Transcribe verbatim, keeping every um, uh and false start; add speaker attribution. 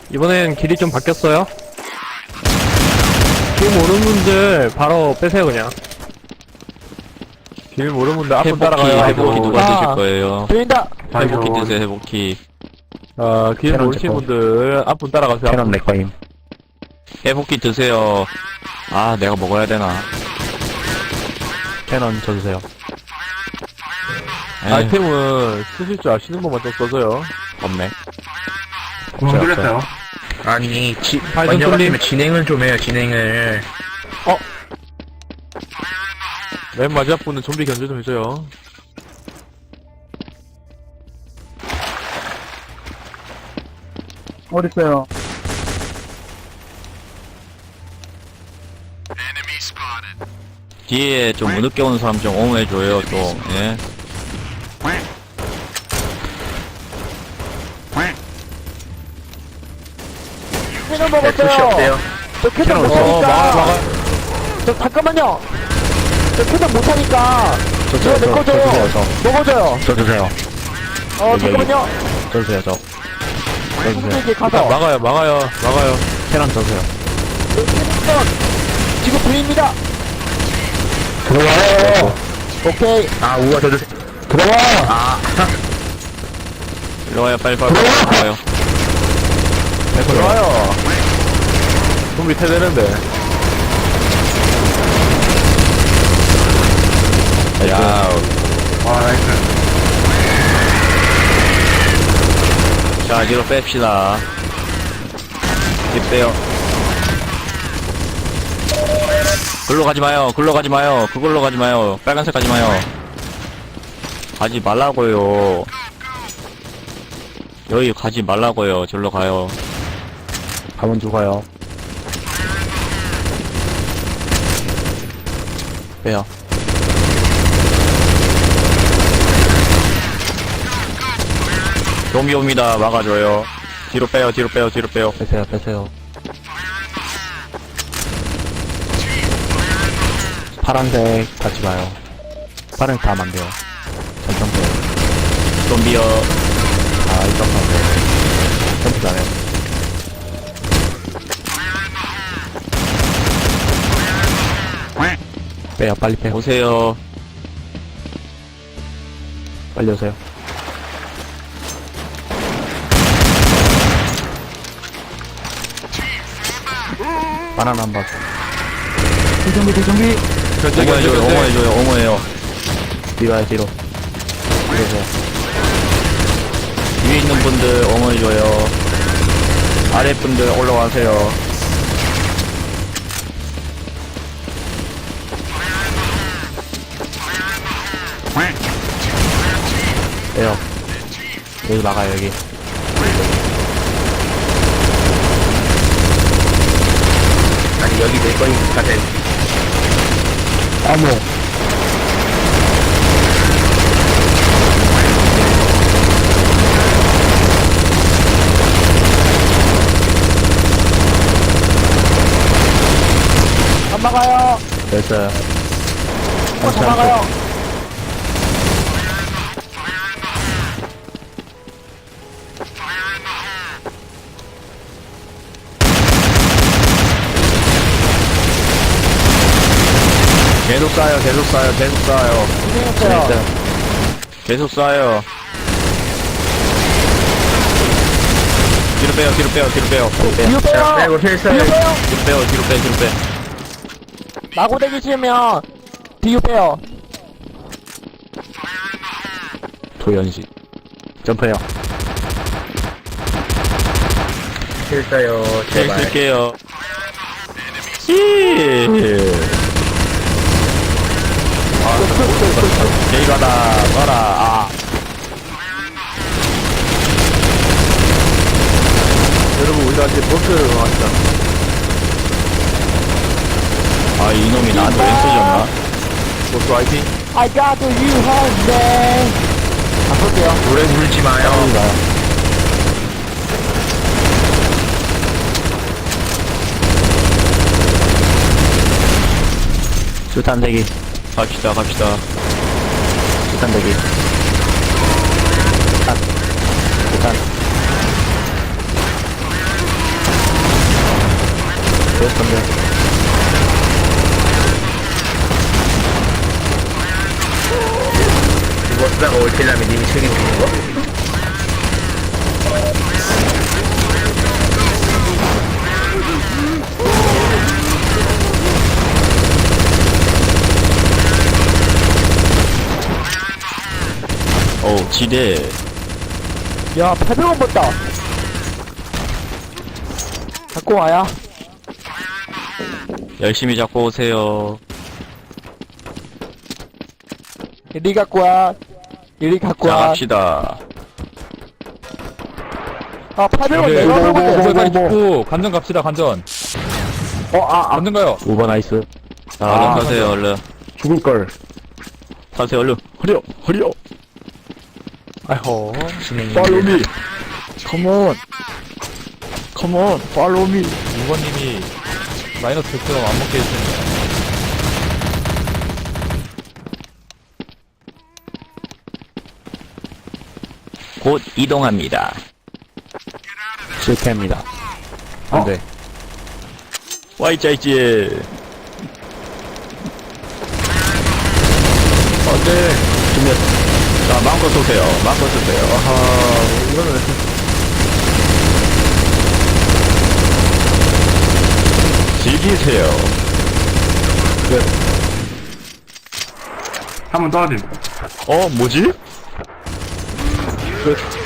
Speaker 1: 이번엔 길이 좀 바뀌었어요. 길 모르는 분들 바로 빼세요 그냥. 길 모르는 분들 앞으로
Speaker 2: 회복키,
Speaker 1: 따라가요.
Speaker 2: 회복키 누가
Speaker 3: 아.
Speaker 2: 드실 거예요?
Speaker 3: 보인다!
Speaker 2: 회복키 드세요, 회복키.
Speaker 1: 어, 길
Speaker 4: 캐논
Speaker 1: 모르시는
Speaker 4: 제거.
Speaker 1: 분들 앞으로 따라가세요.
Speaker 4: 캐논 내꺼임.
Speaker 2: 회복키 드세요. 아, 내가 먹어야 되나.
Speaker 4: 캐논 줘주세요.
Speaker 2: 에이,
Speaker 1: 아이템은 쓰실 줄 아시는 분만 좀 써줘요.
Speaker 2: 없네.
Speaker 5: 구멍
Speaker 4: 없어요.
Speaker 5: 뚫렸어요. 아니, 지,
Speaker 1: 팔 좀
Speaker 5: 먼저
Speaker 1: 뚫림.
Speaker 5: 같으면 진행을 좀 해요, 진행을.
Speaker 1: 맨 마지막 분은 좀비 견제 좀 해줘요.
Speaker 3: 어딨어요?
Speaker 2: 뒤에 좀 늦게 오는 사람 좀 옹호해줘요, 또, 예.
Speaker 3: 캐논
Speaker 5: 네, 푸시
Speaker 3: 먹었어요!
Speaker 5: 없대요.
Speaker 3: 저 캐논
Speaker 1: 캐논 없어. 어, 막아,
Speaker 3: 못하니까!
Speaker 1: 막아.
Speaker 3: 저 잠깐만요! 저 캐논 못하니까!
Speaker 4: 저,
Speaker 3: 저거
Speaker 4: 저, 저,
Speaker 3: 내거
Speaker 4: 저 주세요,
Speaker 3: 줘요!
Speaker 4: 저.
Speaker 3: 먹어줘요!
Speaker 4: 저 주세요.
Speaker 3: 어,
Speaker 4: 여기,
Speaker 3: 잠깐만요!
Speaker 4: 저 주세요, 저. 저 주세요.
Speaker 3: 이제
Speaker 1: 일단
Speaker 3: 가서!
Speaker 1: 막아요, 막아요, 막아요.
Speaker 4: 캐논 줘주세요.
Speaker 3: 캐논 지금 보입니다!
Speaker 4: 들어와요!
Speaker 3: 오케이!
Speaker 5: 아, 우와, 저 주세요.
Speaker 4: 들어와!
Speaker 5: 아,
Speaker 2: 일로 와요, 빨리, 빨리, 빨리, 와요.
Speaker 1: 좋아요. 좀비 태되는데.
Speaker 2: 야,
Speaker 5: 와, 나이스.
Speaker 2: 자, 뒤로 뺍시다. 뒤 빼요. 글로 가지 마요, 글로 가지 마요, 그걸로 가지 마요, 빨간색 가지 마요. 가지 말라고요. 여기 가지 말라고요, 절로 가요.
Speaker 4: 가면 죽어요.
Speaker 2: 빼요. 좀비 옵니다, 막아줘요. 뒤로 빼요, 뒤로 빼요, 뒤로 빼요.
Speaker 4: 빼세요, 빼세요. 파란색 가지 마요. 파란색 다 안 돼요. 전청 돼요.
Speaker 2: 좀비요.
Speaker 4: 아, 이쪽 가세요. 점프 잘해요. 빼요, 빨리 빼요.
Speaker 2: 오세요.
Speaker 4: 빨리 오세요. 바나나 한 번.
Speaker 3: 대정비, 대정비!
Speaker 1: 견제, 견제,
Speaker 2: 옹호해줘요,
Speaker 1: 견제.
Speaker 2: 옹호해줘요, 옹호해요.
Speaker 4: 뒤로 와요, 뒤로. 뒤로 오세요.
Speaker 2: 위에 있는 분들 옹호해줘요. 아래 분들 올라와세요.
Speaker 4: 빼요. 여기 막아요, 여기.
Speaker 5: 아니, 여기 내 거니까 돼.
Speaker 4: 어머.
Speaker 3: 안 막아요!
Speaker 4: 됐어요.
Speaker 3: 어, 다 막아요!
Speaker 2: 계속 쏴요, 계속 쏴요, 계속 쏴요.
Speaker 3: 고생했어요!
Speaker 4: 됐어요.
Speaker 2: 계속 쏴요. 뒤로 빼요, 뒤로 빼요, 뒤로 빼요.
Speaker 3: 뒤로
Speaker 5: 자,
Speaker 3: 빼요!
Speaker 5: 빼고 필살.
Speaker 3: 뒤로 빼요!
Speaker 2: 뒤로 빼요, 뒤로 빼, 뒤로 빼.
Speaker 3: 마구대기 치면 뒤로 빼요!
Speaker 4: 도연식. 점프해요.
Speaker 5: 필사요,
Speaker 2: 힐
Speaker 5: 제발.
Speaker 2: 쓸게요. 힐. 제이 가다, 써라, 아.
Speaker 1: 여러분, 우리가 이제 보스를 왔다.
Speaker 2: 아, 이놈이 나한테 왼 쏘졌나?
Speaker 1: 보스 화이팅.
Speaker 3: I got you home, 안 볼게요.
Speaker 5: 노래 부르지 마요.
Speaker 4: 수탄 대기.
Speaker 2: 갑시다, 갑시다.
Speaker 4: 수탄 대기. 수탄. 수탄.
Speaker 5: 이거 쓰다가 올킬라면 님이 책임지는 거?
Speaker 2: 오, 지대.
Speaker 3: 야, 팔백 원 벌다. 갖고 와야.
Speaker 2: 열심히 잡고 오세요.
Speaker 3: 이리 갖고 와. 이리 갖고
Speaker 2: 자,
Speaker 3: 와.
Speaker 2: 갑시다.
Speaker 3: 아, 팔백 원
Speaker 1: 오케이.
Speaker 3: 내가
Speaker 1: 뭐, 뭐,
Speaker 3: 먹었네.
Speaker 1: 뭐,
Speaker 6: 빨리 빨리
Speaker 1: 뭐.
Speaker 6: 죽고 관전 갑시다 관전.
Speaker 1: 어, 아, 아.
Speaker 6: 관전 가요.
Speaker 1: 오버 나이스.
Speaker 2: 얼른
Speaker 1: 아,
Speaker 2: 타세요, 얼른.
Speaker 1: 죽을걸.
Speaker 2: 타세요, 얼른. 허리요, 허리요.
Speaker 1: 아이호.
Speaker 5: 진행이
Speaker 1: Follow me. Come on. Come on. Follow me.
Speaker 6: 이번님이 마이너스 백 점 안 먹게 해주시네요.
Speaker 2: 곧 이동합니다.
Speaker 4: 실패입니다.
Speaker 1: 안 돼.
Speaker 2: 와이짜이찌.
Speaker 1: 안 돼.
Speaker 2: 자, 마음껏 쏘세요. 마음껏 쏘세요.
Speaker 1: 아하, 이거는.
Speaker 2: 즐기세요.
Speaker 5: 한번 떨어짐.
Speaker 2: 어, 뭐지?
Speaker 1: 끝.